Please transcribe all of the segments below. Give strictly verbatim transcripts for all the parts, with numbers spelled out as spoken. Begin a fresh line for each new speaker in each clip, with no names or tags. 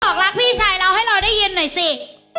บอกรักพี่ชายเราให้เราได้ยินหน่อยสิ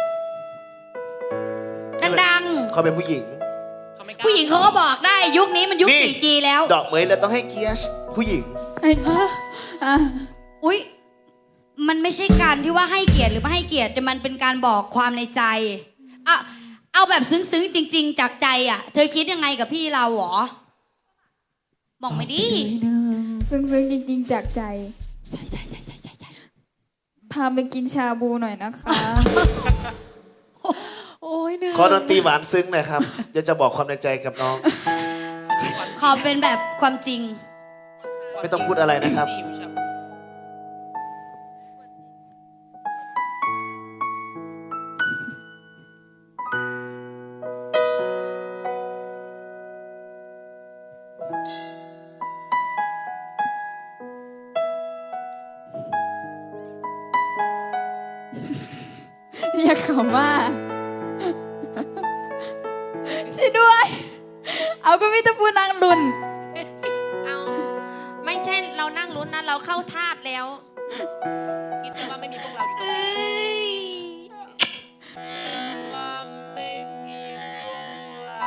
ดังๆ
เขาเป็นผู้หญิง
ผู้หญิงเขาก็บอกได้ยุคนี้มันยุค
นี่
โฟร์จี แล้ว
ดอกเหมยเราต้องให้เกียรติผู้หญิง
ไอ้อ่ะ
อุ๊ยมันไม่ใช่การที่ว่าให้เกียรติหรือไม่ให้เกียรติแต่มันเป็นการบอกความในใจอะเอาแบบซึ้งๆจริง ๆ จากใจอ่ะเธอคิดยังไงกับพี่เราหรอบอกไม่ดิ
ซึ้งๆจริงๆจากใจ
ใช่ใช่ใช่ใช่ใช่ใช่
พาไปกินชาบูหน่อยนะคะ
โอ้ยเนื้อ
ขอดนตรีหวานซึ้งหน่อยครับ เดี๋ยวจะบอกความในใจกับน้อง
ขอเป็นแบบความจริง
ไม่ต้องพูดอะไรนะครับ
อยากขอว่าช่วยด้วย เอาก็มิตรพูนางลุน
เอาไม่ใช่เรานั่งลุ้นนะเราเข้าทาสแล้วคิดแต่ว่าไม่มีพวกเราอยู่ตรงนี้ว่าไม่มีพวกเรา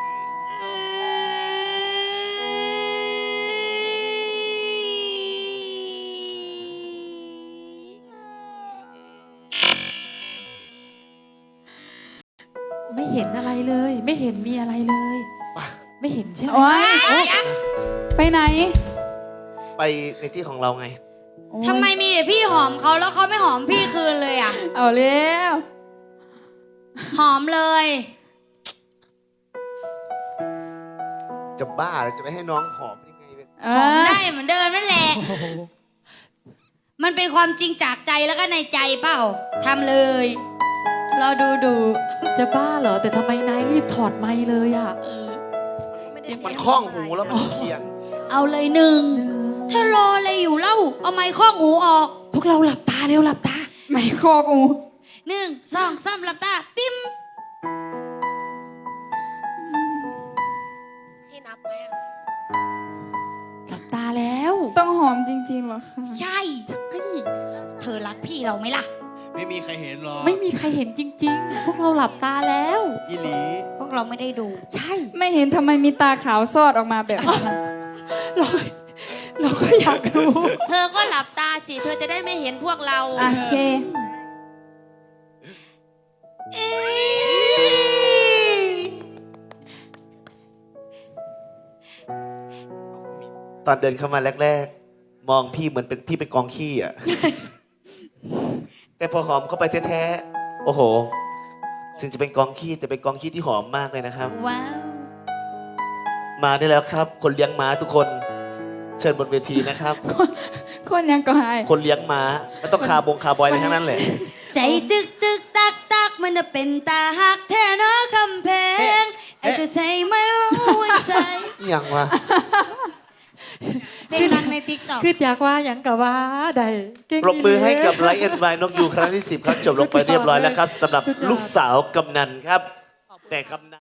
ไม่เห็นอะไรเลย ไม่เห็นมีอะไรเลย ไม่เห็นใช่ไหม
โอ๊ยไปไหน
ไปในที่ของเราไง
โอ๊ย
ทำไมมีแต่พี่หอมเขาแล้วเขาไม่หอมพี่คืนเลยอ่ะ
เอาเร็ว
หอมเลย
จะบ้าหรือจะไม่ให้น้องหอมยังไงเป็น
เอ
หอม
อ
ได้เหมือนเดิมนั่นแหละ มันเป็นความจริงจากใจแล้วก็ในใจเปล่าทำเลยเราดูดู
จะบ้าเหรอ แต่ทำไมนายรีบถอดไมค์เลยอ่ะ
มันคล้องหูแล้วมันเคียง
เอาเลยหนึ่งถ้ารออะไรอยู่เล่าเอาไม้ข้องหูออก
พวกเราหลับตาเร็วหลับตา
ไม่คอกู
หนึ่งสองสามหลับตาปิ๊ม
ให้นับไหมอะ
หลับตาแล้ว
ต้องหอมจริงๆเหรอคะ
ใช่
ใช่
เธอรักพี่เราไหมล่ะ
ไม่มีใครเห็นหรอก
ไม่มีใครเห็นจริง ๆ พวกเราหลับตาแล้ว
อีหลี
พวกเราไม่ได้ดู
ใช่
ไม่เห็นทำไมมีตาขาวซอดออกมาแบบนั้น
เราเราก็อยากรู้
เธอก็หลับตาสิ เธอจะได้ไม่เห็นพวกเรา
โอเค
ตอนเดินเข้ามาแรกๆ มองพี่เหมือนเป็นพี่เป็นกองขี้อ่ะ แต่พอหอมเข้าไปแท้ๆ โอ้โห ถึงจะเป็นกองขี้แต่เป็นกองขี้ที่หอมมากเลยนะครับ
ว้าว
มาได้แล้วครับ คนเลี้ยงม้าทุกคน เชิญบนเวทีนะครับ
คนยังก็หาย
คนเลี้ยงม้าไม่ต้องคาบงคาบอยอะไรทั้งนั้นแหละ
ใจตึกตึกตักตักมันจะเป็นตาหักแท้เนาะคำเพลงไอ้เจะใจไม่รู้ว่าใจ
อหย่างวะ
เพลงดังในติ๊กต็อก
คืออยากว่าหยังกะว่าใดเก่ง
ปรบมือให้กับไลท์เอ็นไวนกยูครั้งที่สิบครับจบลงไปเรียบร้อยแล้วครับสำหรับลูกสาวกำนันครับ แต่กำนัน